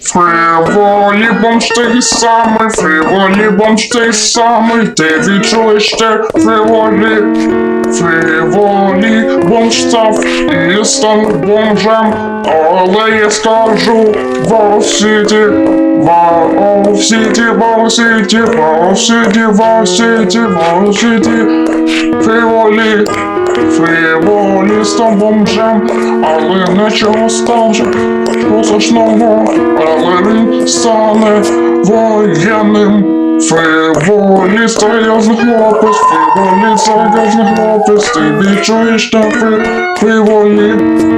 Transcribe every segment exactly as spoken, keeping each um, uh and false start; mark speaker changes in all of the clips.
Speaker 1: Фриволі бомж той самий, фриволі бомж той самий, ти відчуєш те фриволі. Фриволі бомж став і став бомжем, але я скажу Вау-Сіті, Вау-Сіті, Вау-Сіті, Вау-Сіті, Вау-Сіті, Вау-Сіті. Фриволі, фриволі став бомжем, але нічого стався позначного, але він стане воєнним. Фриволі серйозний хлопець, фриволі серйозний хлопець, ти відчуєш те фри, фриволі.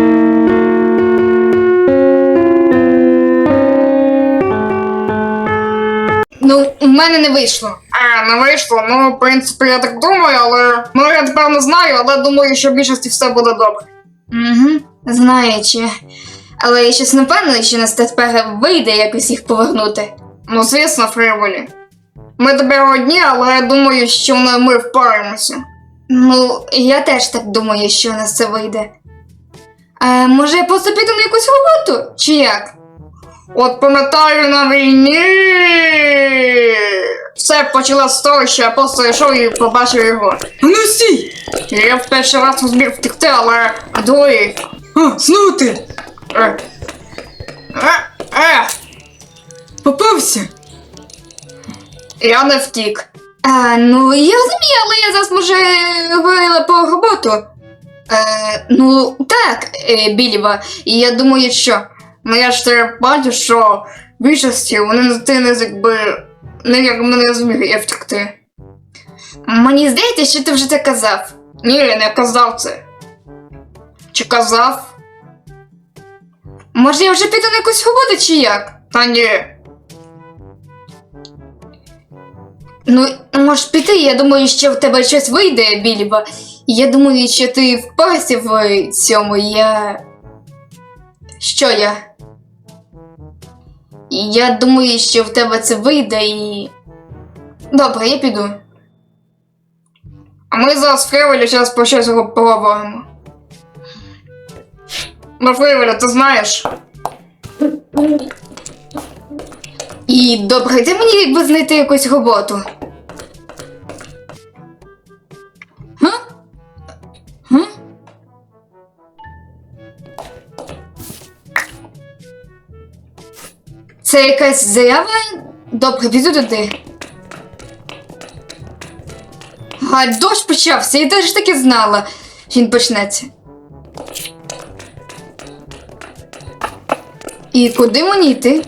Speaker 2: Ну, у мене не вийшло.
Speaker 3: А, не вийшло. Ну, в принципі, я так думаю, але... Ну, я тепер не знаю, але думаю, що в більшості все буде добре.
Speaker 2: Угу, знаючи. Але я щось не впевнений, що нас тепер вийде якось їх повернути.
Speaker 3: Ну, звісно, Фриволі. Ми тепер одні, але я думаю, що ми, ми впораємося.
Speaker 2: Ну, я теж так думаю, що у нас це вийде. А може я просто піду на якусь роботу? Чи як?
Speaker 3: От пам'ятаю на війні. Все почалося з того, що я просто йшов і побачив його.
Speaker 4: А ну стій!
Speaker 3: Я в перший раз зміг втекти, але другий.
Speaker 4: А, знову ти!
Speaker 3: Е. Е. Е.
Speaker 4: Попався!
Speaker 3: Я не втік.
Speaker 2: А, ну, я розумію, але я зараз, може, говорила по роботу. Е, ну, так, е, Білєва, і я думаю, що...
Speaker 3: Ну я ж тебе бачу, що в більшості вони ти не якби не як мене зміг я втекти.
Speaker 2: Мені здається, що ти вже це казав.
Speaker 3: Ні, я не казав це. Чи казав?
Speaker 2: Може я вже піду на якусь роботу, чи як?
Speaker 3: Та ні.
Speaker 2: Ну, можеш піти, я думаю, що в тебе щось вийде, Білєва. Я думаю, що ти впорався в цьому, я... Що я? Я думаю, що в тебе це вийде і... Добре, я піду.
Speaker 3: А ми зараз Фриволі зараз про щось поговоримо. Ну, Фриволі, ти знаєш?
Speaker 2: І добре, де мені якби знайти якусь роботу? Га? Га? Це якась заява? Добре, піду туди. А дощ почався, я теж таки знала, що він почнеться. І куди мені йти?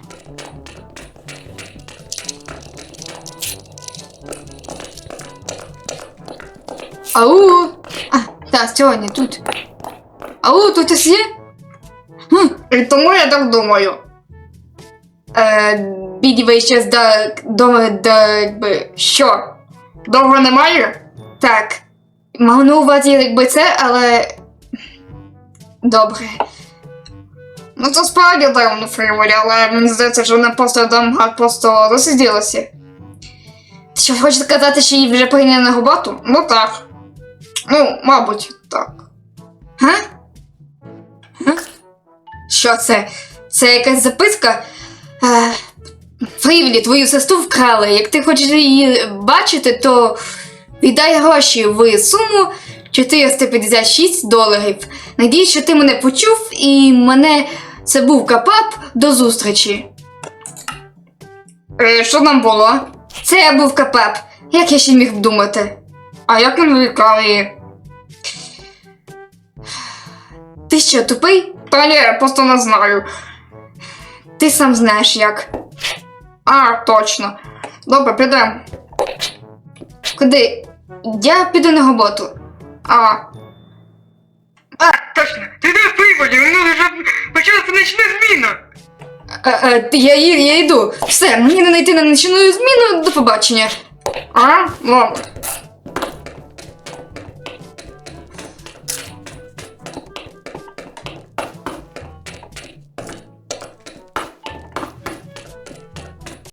Speaker 2: Ау! А, так, сьогодні тут. Ау, тут хтось є? Хм.
Speaker 3: І тому я так думаю.
Speaker 2: Е, Білєва ще до, до, до, якби, що?
Speaker 3: Довго немає?
Speaker 2: Так. Мав на увазі, якби це, але... Добре.
Speaker 3: Ну це справді дивно, Фриволі, але мені здається, що вона просто там просто засиділася.
Speaker 2: Ти що, хочеш сказати, що її вже прийняли на роботу?
Speaker 3: Ну так. Ну, мабуть, так.
Speaker 2: Га? Га? Що це? Це якась записка? Е, Фриволі, твою сестру вкрали. Як ти хочеш її бачити, то віддай гроші в суму чотириста п'ятдесят шість доларів. Надіюсь, що ти мене почув і мене... Це був Капап. До зустрічі.
Speaker 3: Е, що там було?
Speaker 2: Це був Капап. Як я ще міг думати?
Speaker 3: А як він викрав її?
Speaker 2: Ти що, тупий?
Speaker 3: Та ні, я просто не знаю.
Speaker 2: Ти сам знаєш як.
Speaker 3: А, точно. Добре, підемо.
Speaker 2: Куди? Я піду на роботу.
Speaker 3: А. А, точно. Ти йдеш Фриволі, у нас вже почалася нічна зміна.
Speaker 2: А, а, я, я, я йду. Все, мені не знайти на нічну зміну. До побачення.
Speaker 3: А? Ладно.